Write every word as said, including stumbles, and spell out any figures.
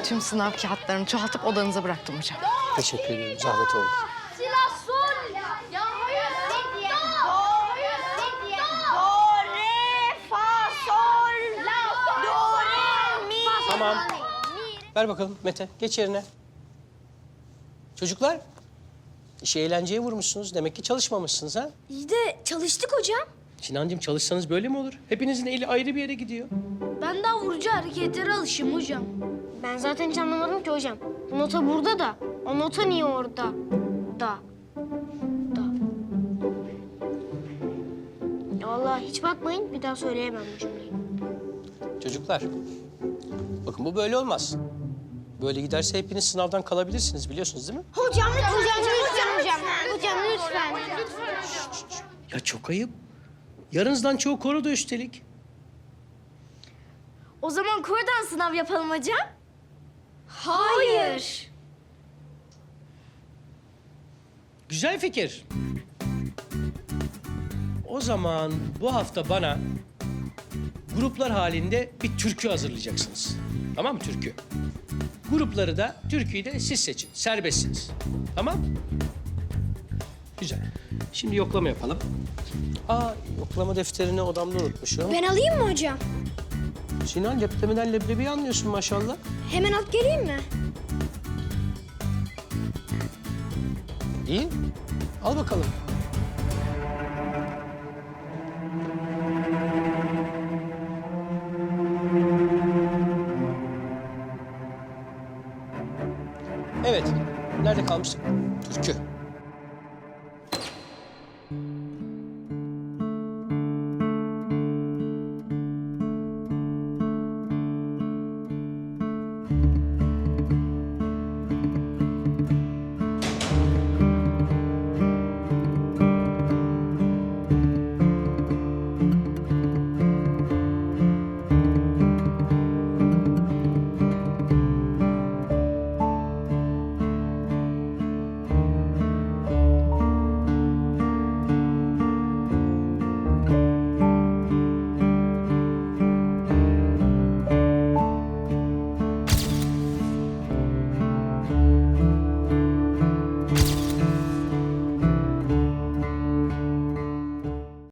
tüm sınav kağıtlarını çoğaltıp odanıza bıraktım hocam. Teşekkür ederim. Zahmet oldu. Silah sol. Ya hayır. Ne diye? Do. Ne diye? Do, re, fa, sol, la, do, re, mi. Tamam. Ver bakalım Mete. Geç yerine. Çocuklar, işi eğlenceye vurmuşsunuz. Demek ki çalışmamışsınız ha? İyi de çalıştık hocam. Sinancığım çalışsanız böyle mi olur? Hepinizin eli ayrı bir yere gidiyor. Ben daha vurucu hareketlere alışım hocam. Ben zaten hiç anlamadım ki hocam. Bu nota burada da. O nota niye orada? Da. Da. Ya vallahi hiç bakmayın. Bir daha söyleyemem bu cümleyi. Çocuklar, bakın bu böyle olmaz. Böyle giderse hepiniz sınavdan kalabilirsiniz biliyorsunuz değil mi? Hocam lütfen. Hocam lütfen hocam. Hocam lütfen. Ya çok ayıp. Yarınızdan çoğu koroda üstelik. O zaman korudan sınav yapalım hocam. Hayır. Güzel fikir. O zaman bu hafta bana gruplar halinde bir türkü hazırlayacaksınız. Tamam mı türkü? Grupları da, türküyü de siz seçin. Serbestsiniz. Tamam? Güzel. Şimdi yoklama yapalım. Aa, yoklama defterini odamda unutmuşum. Ben alayım mı hocam? Sinan, leblemiden leblebiyi anlıyorsun maşallah. Hemen alıp geleyim mi? İyi. Al bakalım. Evet. Nerede kalmıştık? Türkü.